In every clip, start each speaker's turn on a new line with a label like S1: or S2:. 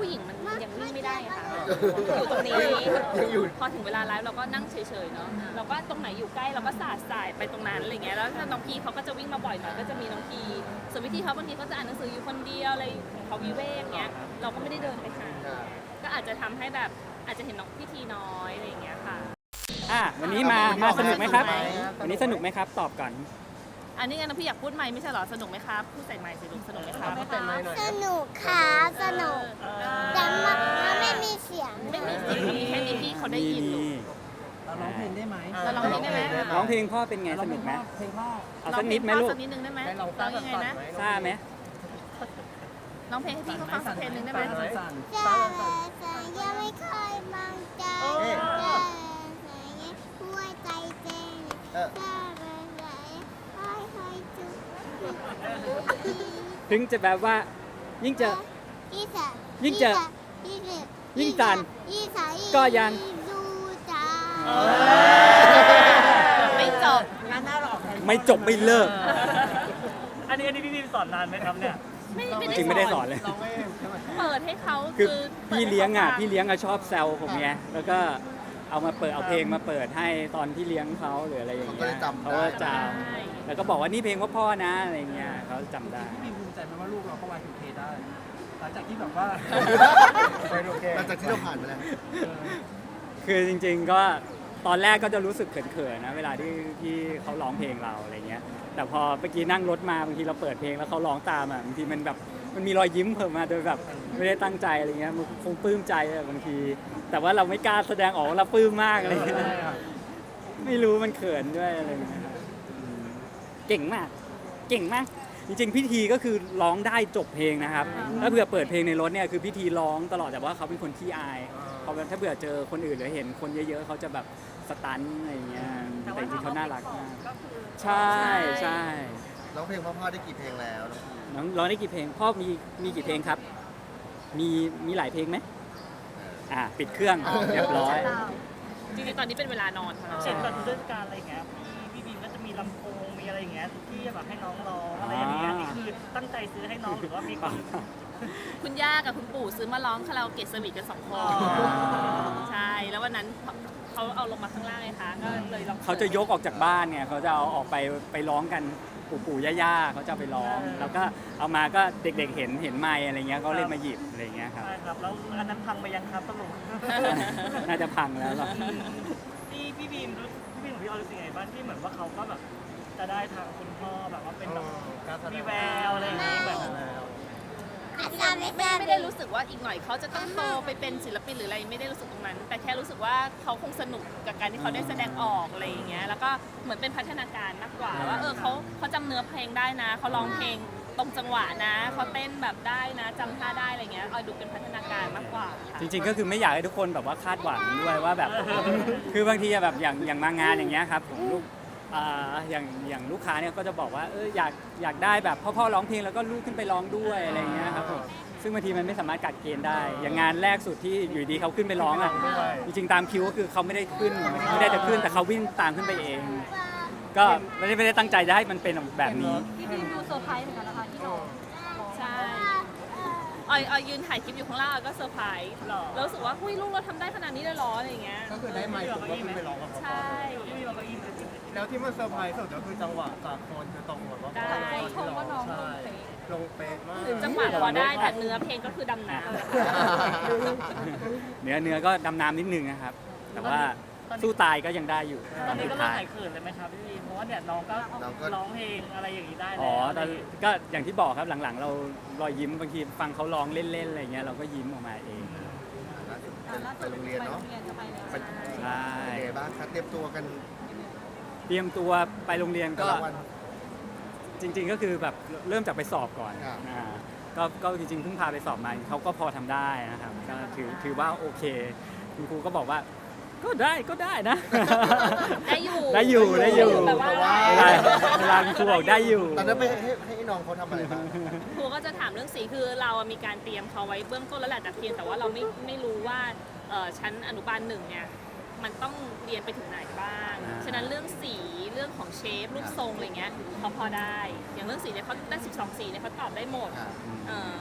S1: ผู้หญิงมันยังวิ่งไม่ได้ค่ะอยู่ตรงนี้พอถึงเวลาไลฟ์เราก็นั่งเฉยๆเนาะเราก็ตรงไหนอยู่ใกล้เราก็สายไปตรงนั้นอะไรเงี้ยแล้วถ้าน้องพีเขาก็จะวิ่งมาบ่อยหน่อยก็จะมีน้องพีส่วนวิธีเขาบางทีเขาจะอ่านหนังสืออยู่คนเดียวอะไรของเขาวิเวกเงี้ยเราก็ไม่ได้เดินไปหาก็อาจจะทำให้แบบอาจจะเห็นน้องพิธีน้อยอะไรอย่างเงี้ยค่ะ
S2: วันนี้มาสนุกไหมครับวันนี้สนุกไหมครับตอบก่อน
S1: อันนี้ไงน้องพี่อยากพูดไหมไม่ใช่หรอสนุกไหมครับพูดใส่ไมค์สิลูกสนุกไหมครับ
S3: สนุกค่ะสนุกแต่มันไม่มีเสียง
S1: ไม่มีเสียงมีแค่นี้พี่เขาได้ยินลูก
S4: เราร้องเพลงได้ไหม
S1: เราร้องเพลงได้ไหม
S2: ร้องเพลงพ่อเป็นไงสนุกไหม
S4: เพลงพ่อ
S2: เอาสักนิดไหมลูก
S1: สักนิดนึงได้ไหมร้องยังไงนะ
S2: ซ่าไหม
S1: ร้องเพลงให้พี่เขาฟังสักเพลงนึงได้ไหม
S3: จะยังไม่เคยมองใจหัวใจเต้น
S2: ถึงจะแบบว่ายิ่งจันก็ยัง
S3: ดูจ้า
S1: ไม่จบ
S2: ไม่จบไม่เลิก
S4: อันนี้พี่บีมสอนนานไหมครับเนี่ย
S2: จริงไม่ได้สอนเลย
S1: เปิดให้เขา
S2: คือพี่เลี้ยงชอบแซวผมไงแล้วก็เอาเพลงมาเปิดให้ตอนที่เลี้ยงเขาหรืออะไรอย่างเงี้ยเขาก็จำแล้วก็บอกว่านี่เพลงพ่อนะอะไรเงี้ยเขาจำได้
S4: พี่บีมภูมิใจไหมว่าลูกเราก็Y2Kได้หลังจากที่แบบว่า
S5: หลังจากที่เราผ่านมาแล้ว
S2: คือจริงๆก็ตอนแรกก็จะรู้สึกเขินๆนะเวลาที่เขาร้องเพลงเราอะไรเงี้ยแต่พอเมื่อกี้นั่งรถมาบางทีเราเปิดเพลงแล้วเขาร้องตามอ่ะบางทีมันแบบมันมีรอยยิ้มเพิ่มมาโดยแบบไม่ได้ตั้งใจอะไรเงี้ยมันคงปลื้มใจบางทีแต่ว่าเราไม่กล้าแสดงออกว่าเราปลื้มมากอะไรเงี้ยไม่รู้มันเขินด้วยอะไรเงี้ยเก่งมากจริงๆพิธีก็คือร้องได้จบเพลงนะครับถ้าเผื่อเปิดเพลงในรถเนี่ยคือพิธีร้องตลอดแต่ว่าเขาเป็นคนขี้อายเขาถ้าเผื่อเจอคนอื่นหรือเห็นคนเยอะๆเขาจะแบบสตันอะไรเงี้ยแต่จริงๆเขาน่ารักมากใช่
S5: ร้องเพลงพ่อได้กี่เพลงแล้ว
S2: น้องร้องได้กี่เพลงพ่อมีกี่เพลงครับมีหลายเพลงไหมปิดเครื่องเรียบร้อย
S1: จริงๆตอนนี้เป็นเวลานอนค่ะ
S4: เช่นแบบเทศกาลอะไรอย่างเงี้ยพี่บีมก็จะมีลำโพงมีอะไรอย่างเงี้ยที่แบบให้น้องร้องอะไรอย่างเงี้ยนี่คือตั้งใจซื้อให้น้องหรือว่ามี
S1: คุณย่ากับคุณปู่ซื้อมาร้องคาราโอเกะสวีทกัน2 คนใช่แล้ววันนั้นเขาเอาลงมาข้างล่างไงคะก็เลยร้อง
S2: เขาจะยกออกจากบ้านเนี่ยเขาจะเอาออกไปร้องกันปู่ย่าเขาจะไปร้องแล้วก็เอามาก็เด็กๆเห็นไมค์อะไรเงี้ยก็เลยมาหยิบอะไรเงี้ยครับ
S4: ใช่ครับแล้วอันนั้นพังไปยังครับสรุป
S2: น่าจะพังแล้วหรอ
S4: พี่บีมของพี่ออรู้สึกไงบ้างที่เหมือนว่าเขาก็แบบจะได้ทางคุณพ่อแบบว่าเป็นแบบมีแววอะไรอย่างงี้แบบ
S1: ไม่ได้รู้สึกว่าอีกหน่อยเขาจะต้องโตไปเป็นศิลปินหรืออะไรไม่ได้รู้สึกตรงนั้นแต่แค่รู้สึกว่าเขาคงสนุกกับการที่เขาได้แสดงออกอะไรอย่างเงี้ยแล้วก็เหมือนเป็นพัฒนาการมากกว่าว่าเขาจำเนื้อเพลงได้นะเขาร้องเพลงตรงจังหวะนะเขาเต้นแบบได้นะจำท่าได้อะไรเงี้ยดูเป็นพัฒนาการมากกว่า
S2: จริงๆก็คือไม่อยากให้ทุกคนแบบว่าคาดหวังด้วยว่าแบบคือบางทีแบบอย่างมางานอย่างเงี้ยครับลูกอย่างลูกค้าเนี่ยก็จะบอกว่าอยากได้แบบพ่อร้องเพลงแล้วก็ลูกขึ้นไปร้องด้วยอะไรเงี้ยครับผมซึ่งบางทีมันไม่สามารถกัดเกณฑ์ได้อย่างงานแรกสุดที่อยู่ดีเขาขึ้นไปร้องอ่ะจริงๆตามคิวก็คือเขาไม่ได้จะขึ้นแต่เขาวิ่งตามขึ้นไปเองก็ไม่ได้ตั้งใจจะให้มันเป็นแบบนี้
S1: พี่บีมดูเซอร์ไพรส์เหมือนกันนะคะที่น้องใช่ออยยืนถ่ายคลิปอยู่ข้างล่างก็เซอร์ไพรส์แล้วรู้สึกว่าลูกเราทำได้ขนาดนี้เลยหรออะไรอย่างเงี้ย
S5: ก็คือได้ไมค์ผมก็ขึ้นไปร้องกับเขา
S1: ใช่
S5: แล้วที่มันเซอร์ไพรส์สุดก็คือจังหวะจากคนคือตรงหมดว่า
S1: ได้
S5: ชมว่าน้องลงเป๊ะมาก
S1: จังหวะพอได้แต่เนื้อเพลงก็คือดำน้
S2: ำเนื้อก็ดำน้ำนิดนึงนะครับแต่ว่าสู้ตายก็ยังได้อยู่
S4: ตอนนี้ก็เริ่มหายเขินเลยไหมครับพี่เพราะว่าเนี่ยน้องก็ร้องเพลงอะไรอย่างนี้ได้แล้ว
S2: ตอนก็อย่างที่บอกครับหลังๆเรารอยยิ้มบางทีฟังเขาร้องเล่นๆอะไรเงี้ยเราก็ยิ้มออกมาเอง
S5: ไปโรงเรียนเนาะ
S2: ใช่
S5: บ้างครับเตรียมตัว
S2: ไปโรงเรียนก็จริงๆก็คือแบบเริ่มจากไปสอบก่อนก็จริงๆเพิ่งพาไปสอบมาเขาก็พอทำได้นะครับก็ถือว่าโอเคคุณครูก็บอกว่าก็ได้นะ
S1: ได้อยู่
S2: แบบว่าเวลาครูบอกได้อยู่
S5: ตอนนั้นไปให้น้องเขาทำอะไรบ้าง
S1: ครูก็จะถามเรื่องสีคือเรามีการเตรียมเขาไว้เบื้องต้นแล้วแหละแต่เพียงแต่ว่าเราไม่รู้ว่าชั้นอนุบาล1เนี่ยมันต้องเรียนไปถึงไหนบ้างฉะนั้นเรื่องสีเรื่องของเชฟรูปทรงอะไรเงี้ยเขาพอได้อย่างเรื่องสีเนี่ยเขาได้12 สีเนี่ยเขาตอบได้หมด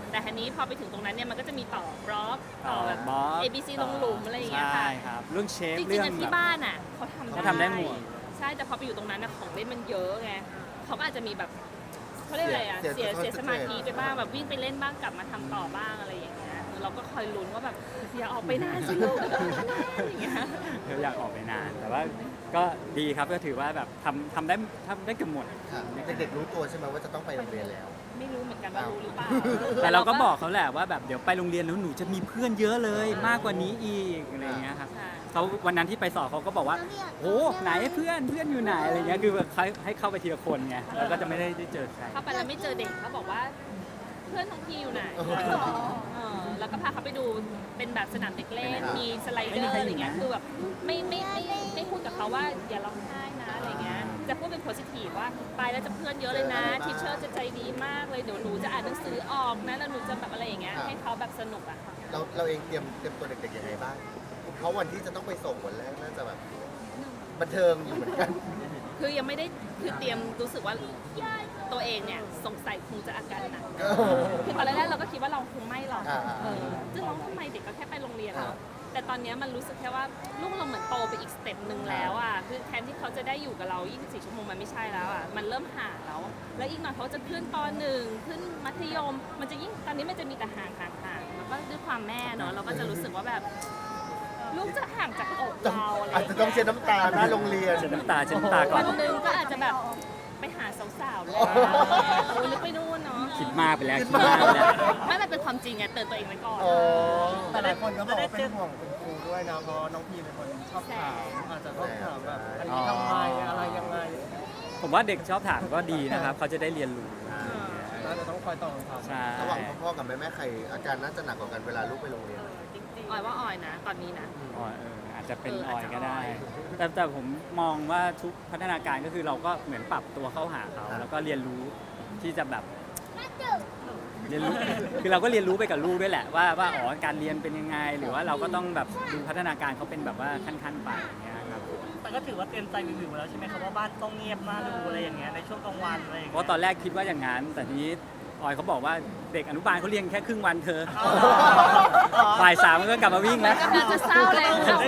S1: แต่ทีนี้พอไปถึงตรงนั้นเนี่ยมันก็จะมีต่อบล็อกต่อแบบ
S2: บล็อก
S1: A B C ลงหลุมอะไรอย่างเงี้ยค่ะ
S2: ใช่ครับเรื่องเชฟ
S1: จริ
S2: เรื่
S1: ง
S2: อง
S1: ๆอะ
S2: แบ
S1: ที่
S2: บ
S1: บ้านอ่ะเขา
S2: เขาทำได้หมด
S1: ใช่แต่พอไปอยู่ตรงนั้นนะของเล่นมันเยอะไงเขาก็อาจจะมีแบบเขาเรียกอะไรอ่ะเสียสมาธิไปบ้างแบบวิ่งไปเล่นบ้างกลับมาทำต่อบ้างอะไรอย่างเงี้ยเราก็คอยลุ้นว่าแบบอย่าออกไปนานสิลูกอย่างเงี้ย
S2: อยากออกไปนาน แต่ว่าก็ดีครับก็ถือว่าแบบทำได้เกือบหมด
S6: ค่ะเด็กๆรู้ตัวใช่ไหมว่าจะต้องไปโรงเรียนแล้ว
S1: ไม่รู้เหมือนกันว่ารู้หรือเปล่า
S2: แต่เราก็บอกเขาแหละว่าแบบเดี๋ยวไปโรงเรียนแล้วหนูจะมีเพื่อนเยอะเลยมากกว่านี้อีกอะไรอย่างเงี้ยครับ
S1: ใช่
S2: เขาวันนั้นที่ไปสอบเขาก็บอกว่าโอ้ไหนเพื่อนอยู่ไหนอะไรเงี้ยคือแบบให้เข้าไปทีละคนไงแล้วก็จะไม่ได้เจอใคร
S1: เข้าไปแล้วไม่เจอเด็กเขาบอกว่าเพื่อนของพี่อยู่ไหนแล้วก็พาเขาไปดูเป็นแบบสนามเด็กเล่นมีสไลเดอร์อะไรเงี้ยคือแบบไม่พูดกับเขาว่าอย่าร้องไห้นะอะไรเงี้ยจะพูดเป็นโพสิทีฟว่าไปแล้วจะเพื่อนเยอะเลยนะทีเชอร์จะใจดีมากเลยเดี๋ยวหนูจะอ่านหนังสือออกนะแล้วหนูจะแบบอะไรอย่างเงี้ยให้เขาแบบสนุกอ่ะ
S6: เราเองเตรียมตัวเด็กๆยังไงบ้าง เพราะวันที่จะต้องไปส่งวันแรกน่าจะแบบบันเทิงอยู่เหมือนกัน
S1: คือยังไม่ได้คือเตรียมรู้สึกว่าตัวเองเนี่ยสงสัยคงจะอาการหนักคือตอนแรกๆเราก็คิดว่าเราคงไม่หรอกซึ่งเราทำไมเด็กก็แค่ไปโรงเรียนแล้วแต่ตอนนี้มันรู้สึกแค่ว่าลูกเราเหมือนโตไปอีกสเต็ปหนึ่งแล้วอ่ะคือแทนที่เขาจะได้อยู่กับเรา24 ชั่วโมงมันไม่ใช่แล้วอ่ะมันเริ่มห่างแล้วอีกหน่อยเขาจะขึ้นป .1 ขึ้นมัธยม มันจะยิ่งตอนนี้มันจะมีแต่ห่างแล้วก็ด้วยความแม่เนาะเราก็จะรู้สึกว่าแบบลูกจะห่างจากอกเราอะไร
S6: อาจจะต้องเช็ดน้ำตาหน้าโรงเรียน
S2: เช็ดน้ำตาก่อ
S1: วัน นหนึ่งก็อาจจะแบบไปหาสาวๆแล้วนึกไปนู่นเนาะ
S2: คิดมากไปแล้วคิดมากไปแล้ว
S1: ไม่มันเป็นความจริงไงเตือนตัวเองไว้ก่อน
S6: อ๋อ
S5: แต่หลายคนก็บอกว่าเป็นห่วงคุณครูด้วยนะเพราะน้องพีเป็นคนชอบถามอาจจะต้องถามแบบอันนี้ทำไมอะไรยังไง
S2: ผมว่าเด็กชอบถามก็ดีนะครับเขาจะได้เรียนรู้
S5: น่าจะต้องคอยตอบคำถาม
S2: ใช่
S6: ระหว่างพ่อๆกับแม่ๆใครอาการน่าจะหนักกว่ากันเวลาลูกไปโรงเรียน
S1: ออยว่าออยนะ ตอนนี้นะ
S2: อาจจะเป็น
S1: เออ
S2: อ
S1: อา
S2: อ
S1: จ
S2: ย
S1: จะ
S2: ก็ได้
S1: ออย
S2: แต่ผมมองว่าทุกพัฒนาการก็คือเราก็เหมือนปรับตัวเข้าหาเขาแล้วก็เรียนรู้ที่จะแบบเรียนรู้ คือเราก็เรียนรู้ไปกับลูกด้วยแหละว่าอ๋อการเรียนเป็นยังไง หรือว่าเราก็ต้องแบบดูพัฒนาการเขาเป็นแบบว่าขั้นๆไปอย่างเงี้ยครับ
S4: แต่ก็ถือว่าเตรียมใจวิวๆแล้วใช่ไหมครับว่าบ้านต้องเงียบมากดูอะไรอย่างเงี้ยในช่วงกลางวันอะไรอย่าง
S2: เพ
S4: เงี้ย
S2: ราะตอนแรกคิดว่าอย่างนั้น แต่ทีนี้ออยเขาบอกว่าเด็กอนุบาลเขาเรียนแค่ครึ่งวันเธอบ่าย 3ก็กลับมาวิ่งแล้ว
S1: กำลังจะเศร้าเลย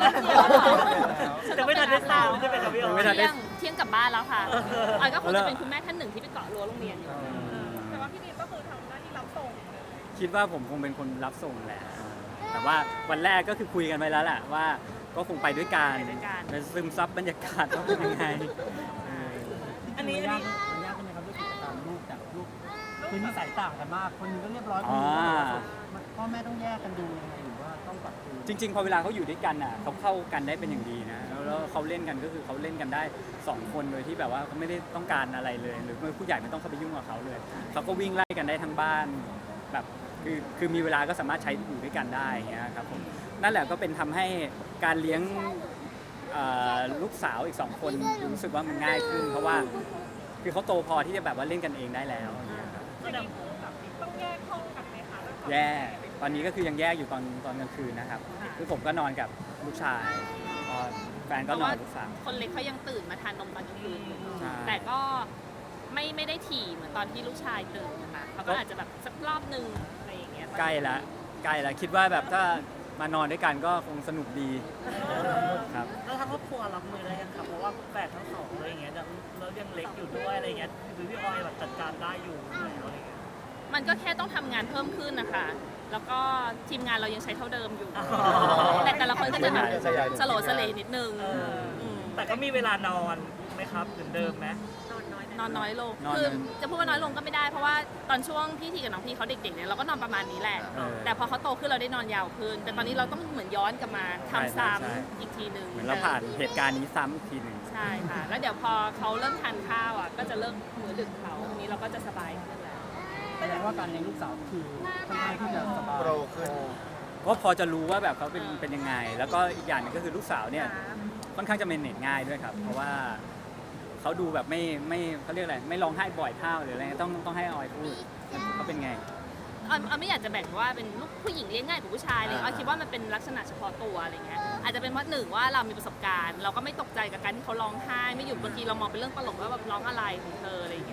S4: จะไม่ทันได้ทราบใช่ไหมครับพี่ออ
S2: ไม่ทัน
S4: ย
S1: เที่ยงกลับบ้านแล้วค่ะออยก็คงจะเป็นคุณแม่ท่านหนึ่งที่ไปเกาะรั้วโรงเรียนอยู่
S7: แต่ว่าพี่บีมก็คือทำหน้าที่รับส่ง
S2: คิดว่าผมคงเป็นคนรับส่งแหละ แต่ว่าวันแรกก็คือคุยกันไปแล้วแหละว่าก็คงไปด้วยกันไปซึมซับบรรยากาศว่าเป็นยังไง
S4: อันนี้
S5: มันยากใช่ไหมครับลูกตามลูกจากลูกคือนิสัยต่างกันมาก คนหนึงก็เรียบร้อยคนหนึงก็พ่อแม่ต้องแยกกันดูยังไงหรือว่าต้องปรับตัว
S2: จริงๆ พอเวลาเขาอยู่ด้วยกันอ่ะเขาเข้ากันได้เป็นอย่างดีนะแล้วเขาเล่นกันก็คือเขาเล่นกันได้2 คนโดยที่แบบว่าเขาไม่ได้ต้องการอะไรเลย หรือผู้ใหญ่ไม่ต้องเข้าไปยุ่งกับเขาเลยเขาก็วิ่งไล่กันได้ทั้งบ้านแบบคือมีเวลาก็สามารถใช้อยู่ด้วยกันได้อย่างเงี้ยครับผมนั่นแหละก็เป็นทำให้การเลี้ยงลูกสาวอีก2 คนรู้สึกว่ามันง่ายขึ้น เพราะว่าคือเขาโตพอที่จะแบบว่าเล่นกันเองได้แล้วอย่างเงี้ยครับ
S7: อย่างนี้คือแบบต้องแยกห้องกันไหมคะแล้วก็
S2: แยกตอนนี้ก็คือยังแยกอยู่ตอนกลางคืนนะครับคือผมก็นอนกับลูกชายแฟนก็นอนกับลูกสาว
S1: คนเล็กเขายังตื่นมาทานนมตอนกลางคืนอยู่
S2: ใช่
S1: แต่ก็ไม่ได้ถี่เหมือนตอนที่ลูกชายตื่นนะคะเขาก็อาจจะแบบสักรอบนึงอะไรอย่างเงี้ย
S2: ใกล้แล้วคิดว่าแบบถ้ามานอนด้วยกันก็คงสนุกดีครับ
S4: แล้วทางครอบครัวรับมือได้ยังครับเพราะว่าแฝดทั้งสองอะไรอย่างเงี้ยแล้วยังเล็กอยู่ด้วยอะไรอย่างเงี้ยคือพี่ออยแบบจัดการได้อยู่แล้วอะไรอย่างเงี้ย
S1: มันก็แค่ต้องทำงานเพิ่มขึ้นนะคะ แล้วก็ทีมงานเรายังใช้เท่าเดิมอยู่ แต่ละคนก็จะแบบสโลว์สเลนิดนึงม
S4: แต่ก็มีเวลานอนไหมครับเหมือนเดิมไหม
S1: นอนน้อยลง
S2: นอน
S1: คือจะพูดว่าน้อยลงก็ไม่ได้ เพราะว่าตอนช่วงพี่ทีกับน้องพี่เขาเด็กๆเนี่ยเราก็นอนประมาณนี้แหละ แต่พอเขาโตขึ้นเราได้นอนยาวขึ้น แต่ตอนนี้เราต้องเหมือนย้อนกลับมาทำซ้ำอีกทีหนึ่ง
S2: เหมือนเราผ่านเหตุการณ์นี้ซ้ำอีกทีหนึ่ง
S1: ใช่ค่ะ แล้วเดี๋ยวพอเขาเริ่มทานข้าวอ่ะก็จะเลิกมื้อดึกเขาทีนี้เราก็จะสบายขึ้นแล้ว
S5: แสดงว่าการเลี้ยงลูกสาวคือค่อนข้างที่จะสบาย
S6: โปรขึ้น
S2: ก็พอจะรู้ว่าแบบเขาเป็นยังไง แล้วก็อีกอย่างหนึงก็คือลูกสาวเนี่ยค่อนข้างจะเมนเนจง่ายด้วยครับ เพราะว่าเขาดูแบบไม่เขาเรียกอะไรไม่ร้องไห้บ่อยเท่าหรืออะไรต้องให้ออยพูดเขาเป็นไง
S1: ออยไม่อยากจะแบ่งว่าเป็นลูกผู้หญิงเลี้ยงง่ายกว่าผู้ชายเลยออยคิดว่ามันเป็นลักษณะเฉพาะตัวอะไรเงี้ยอาจจะเป็นเพราะหนึ่งว่าเรามีประสบการณ์ เราก็ไม่ตกใจกับการที่เขาร้องไห้ไม่หยุดบางทีเรามองเป็นเรื่องตลกว่าแบบร้องอะไรของเธออะไรเงี้ย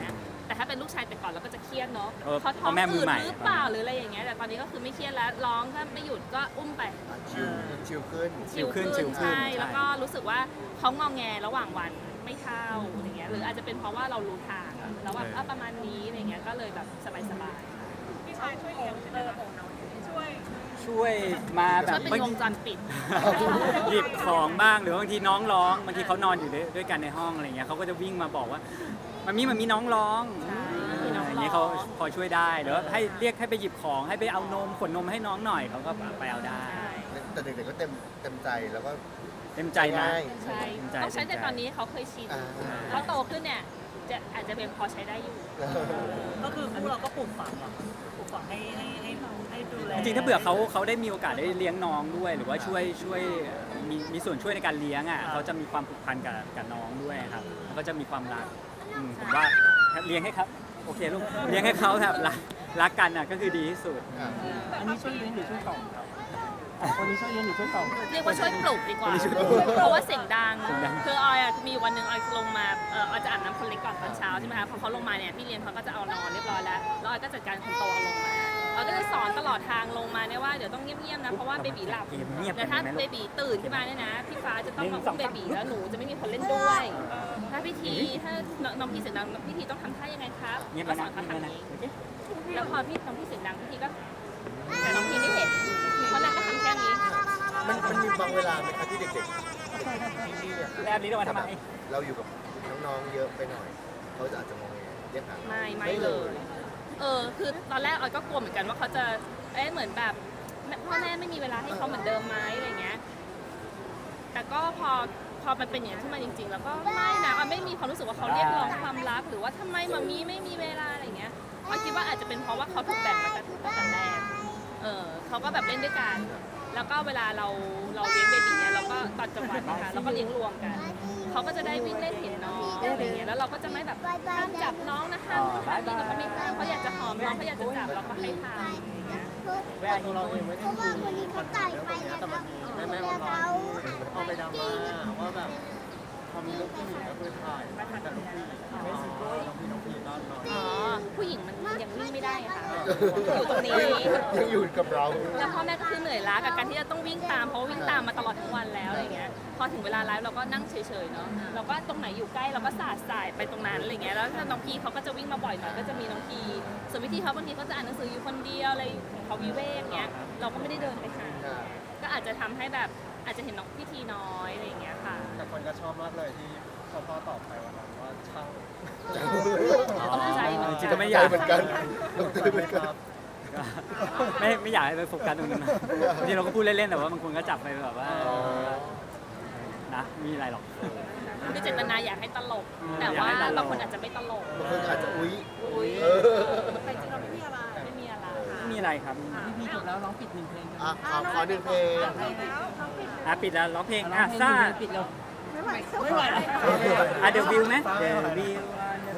S1: แต่ถ้าเป็นลูกชายแต่ก่อนเราก็จะเครียดเนาะ
S2: เพราะ
S1: เขาท้อง
S2: แม่มื
S1: อื
S2: อ
S1: ด
S2: ใหม่
S1: หรือเปล่าหรืออะไรอย่างเงี้ยแต่ตอนนี้ก็คือไม่เครียดแล้วร้องถ้าไม่หยุดก็อุ้มไป
S6: ชิลขึ้น
S2: ชิลขึ้น
S1: ใช่แล้วก็รู้สึกว่าเขางอแงระหว่างวันไม่เท่าอะไรเงี้ยหรืออาจจะเป็นเพราะว่าเรารู้ทางอะแล้วว่าประมาณนี้อะไรเงี้ยก็เลยแบบสบายๆ
S7: พี่ชายช่วยเลี้ยงใช่ไหมคะช่วย
S2: ช่วยมาแบ
S1: ช่
S2: บ
S1: วยเป็น
S2: บาง
S1: ว
S2: ที
S1: งจรปิด
S2: หยิบของบ้างหรือบางทีน้องร้องบางทีเขานอนอยู่ด้วยกันในห้องอะไรเงี้ยเขาก็จะวิ่งมาบอกว่ามันมีน้องร้อง
S1: ใช่
S2: อย่างเงี้ยเขาพอช่วยได้หรือว่าให้เรียกให้ไปหยิบของให้ไปเอานมขวดนมให้น้องหน่อยเขาก็ไปเอาได้
S1: ใช่
S6: แต่เด็กๆก็เต็มใจแล้วก็
S2: เต็มใจนะ
S6: ง่าย
S1: ใช่ต้องใช้แต่ตอนนี้เขาเคยชิน
S6: อ่า
S1: เขาโตขึ้นเนี่ยจะอาจจะเป็นพอใช้ได้อยู่
S4: ก็คือพวกเราก็ปลูกฝังอะปลูกฝังให้ดูแล
S2: จริงๆถ้าเบื่อเขาได้มีโอกาสได้เลี้ยงน้องด้วย หรือว่าช่วยมีส่วนช่วยในการเลี้ยงอ่ะเขาจะมีความผูกพันกับน้องด้วยครับแล้วก็จะมีความรักผมว่าเลี้ยงให้ครับโอเคลูกเลี้ยงให้เขาแบบรักกันอ่ะก็คือดีที่สุด
S6: อ่ะ
S5: อันนี้ช่วยเลี้ยงหรือช่วยส่องคนนี้ช่วยเลี้ยงหรือช่วยส่อง
S1: เรียกว่าช่วยปลุกดีกว่า
S2: ช่วยปลุก
S1: เพราะว่าเสียงดัง
S2: เสียงดัง
S1: คือออยอะมีวันหนึ่งออยลงมาออยจะอาบน้ำคนเล็กก่อนตอนเช้าใช่ไหมคะพอเขาลงมาเนี่ยพี่เลี้ยงเขาก็จะเอานอนเรียบร้อยแล้วแล้วออยก็จัดการคนโตเอาลงมาออยก็จะสอนตลอดทางลงมาเนี่ยว่าเดี๋ยวต้องเงียบๆนะเพราะว่าเบบีหลับ
S2: เงียบ
S1: แต่ถ้าเบบีตื่นขึ้นมาเนี่ยนะพี่ฟ้าจะต้องมาอุ้มเบบีแล้วหนูจะไม่มีคนเล่นด้วย ถ้าพิธีถ้าน้องพี่เสียงดังพิธีต้องทำท่ายังไงครับ
S2: เงียบ
S1: ก็
S2: แล้ว
S1: สอ
S2: นะ
S1: นเขา
S2: เงียบแล้วนะ
S1: ทำนี้
S2: โอเค
S1: แล้วพอน้องพี่เสียงดังพิธีก็แต่น้องพี่ไม่เห็นเพราะนางก็ทำแค่นี้
S6: มันมีบางเวลาไหมคะที่เด็กๆที่เนี่ย
S2: แล้วนี้เรามาทำไม
S6: เราอยู่กับน้องๆเยอะไปหน่อยเขาจะอาจจะมองเรียกหา
S1: ไม่เลย คือตอนแรกออยก็กลัวเหมือนกันว่าเขาจะ เหมือนแบบพ่อแม่ไม่มีเวลาให้เขาเหมือนเดิมไหมอะไรเงี้ย แต่ก็พอมันเป็นอย่างนั้นขึ้นมาจริงๆ แล้วก็ไม่นะออยไม่มีความรู้สึกว่าเขาเรียกร้องความรักหรือว่าทำไมมามีไม่มีเวลาอะไรเงี้ยออยคิดว่าอาจจะเป็นเพราะว่าเขาถูกแบ่งมาตั้งแต่แรก เขาก็แบบเล่นด้วยกัน แล้วก็เวลาเราเลี้ยงเบบีเนี่ยเราก็ตอนจังหวะนะคะเราก็เลี้ยงรวมกัน เขาก็จะได้วิ่งเล่นเห็นน้องอะไรเงี้ย แล้วเราก็จะไม่แบบห้ามจับน้องนะห้ามนู่นห้ามนี่เราก็ไม่ห้ามเขาอยากจะหอมน้องเขาอยากจะจับเราก็ให้ทำอย่างเงี้ย
S5: เวลาเราเองไม่
S3: เพ
S5: ได้
S3: ราะว่าคนนี้เขาไก่ไปแล้วนะแม่เขา
S5: เอาไปดราม่าว่าแบบพอมีลูกผู้หญิงก็คือถ่ายแต่ลูกผู้หญิงไม่ซิงเกิลน้องพีนอนนอน
S1: อ๋อ ผู้หญิงมันยังวิ่งไม่ได้ค่ะ อยู่ตรงนี้
S6: ยังอยู่กับเรา
S1: แล้วพ่อแม่ก็คือเหนื่อยล้ากับการที่จะต้องวิ่งตามเพราะว่าวิ่งตามมาตลอดทั้งวันแล้วอะไรเงี้ย พอถึงเวลาไลฟ์เราก็นั่งเฉยๆเนาะ เราก็ตรงไหนอยู่ใกล้เราก็สายไปตรงนั้นอะไรเงี้ย แล้วถ้าน้องพีเขาก็จะวิ่งมาบ่อยหน่อยก็จะมีน้องพีส่วนวิธีเขาบางทีเขาจะอ่านหนังสืออยู่คนเดียวอะไรของเขาวิเวกเงี้ย เราก็ไม่ได้เดินไปหา ก็อาจจะทำให้แบบอาจจะเห็นน้องพิธีน้อยอะไรอย่างเงี้ยค่ะ
S5: แต่คนก็ชอบมากเลยที่พ่อตอบไปวันนั้นว่าช่าง
S1: ต้องใจหน่อย
S2: จริงๆก็ไม่อยาก
S6: เหมือนกันตกใจเหมือนกัน
S2: ไม่อยากให้ไปโฟกัสตรงนั้นนะบางทีเราก็พูดเล่นๆแต่ว่าบางคนก็จับไปแบบว่านะมีอะไรหรอก
S1: คือเจตนาอยากให้ตลก แต่ว่าบางคนอาจจะไม่ตลก
S6: บางคนอาจจะอุ๊ย
S7: แต่จริงๆเราไม่มีอะไร
S1: ไม่มีอะไร
S2: ไม่มีอะไรครับ
S5: พี่จบแล้วร้องปิดหนึ่งเพลงกัน
S6: อ่ะขอหนึ่งเพลง
S7: แล้วน้องปิด
S2: ปิดแล้วร้องเพลง
S5: ร้องเพลง
S2: ซ่า
S5: ปิดแล้ว
S7: ไม่ไหว
S5: ไม่ไหวแล้ว
S2: เดวิวไหมเดวิว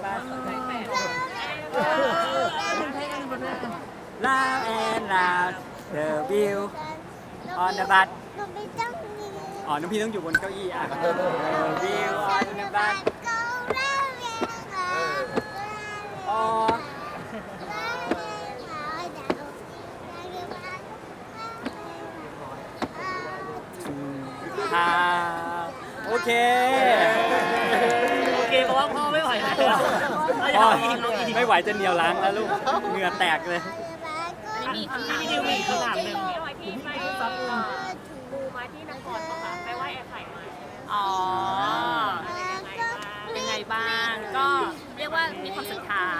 S2: ลาแอนลาเดวิว on the bus
S3: เราไม่ต้องมี
S2: อ๋อน้องพี่ต้องอยู่บนเก้าอี้อ่ะเดวิว on the bus
S3: ก็เล่าเรื่องราว
S2: อ๋อ ค่ะโอเค
S4: โอเคเพราะว่าพ่อไม่ไหวแล้ว
S2: พ่อไม่ไหวจะเหนียวล้างแล้วลูกเหงื่อแตกเลย
S1: อันนี้มีคำถาม
S4: พี่ดิวมีขนาดหนึ่ง
S7: พี่ออยที่ไปดูมาที่นครปะคะไปไหว้แอร์ไข่มาใช่ไหม
S1: อ๋อ
S7: ยังไงบ้าง
S1: เป็นไงบ้าง ก็เรียกว่ามีความศรัทธา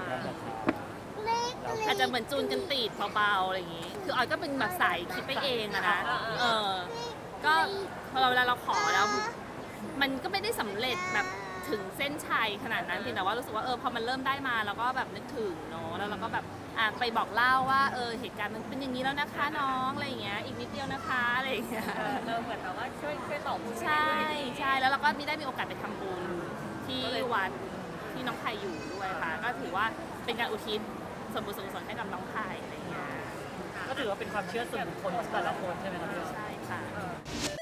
S1: อาจจะเหมือนจูนกันติดเบาๆอะไรอย่างงี้ คือออยก็เป็นแบบสายคิดไปเองอะนะ ก็พอเวลาเราขอแล้ว มันก็ไม่ได้สำเร็จแบบถึงเส้นชัยขนาดนั้นเพียงแต่ว่ารู้สึกว่าพอมันเริ่มได้มาเราก็แบบนึกถึงเนาะ แล้วเราก็แบบไปบอกเล่าว่าเหตุการณ์มันเป็นอย่างนี้แล้วนะคะน้องอะไรอย่างเงี้ย อีกนิดเดียวนะคะอะไรอย่างเงี้ย
S7: เหมือนแบบว่าช่วยตอบ
S1: ใช่ใช่แล้วเราก็ได้มีโอกาสไปทำบุญที่วัดที่น้องไผ่อยู่ด้วยค่ะ ก็ถือว่าเป็นการอุทิศส่วนบุญส่วนกุศลให้กับน้องไผ่อะไรอย่างเงี้ย
S4: ก็ถือว่าเป็นความเชื่อส่วนบุคคลของแต่ละคนใช่ไหมครับ
S1: ใช่ค่ะ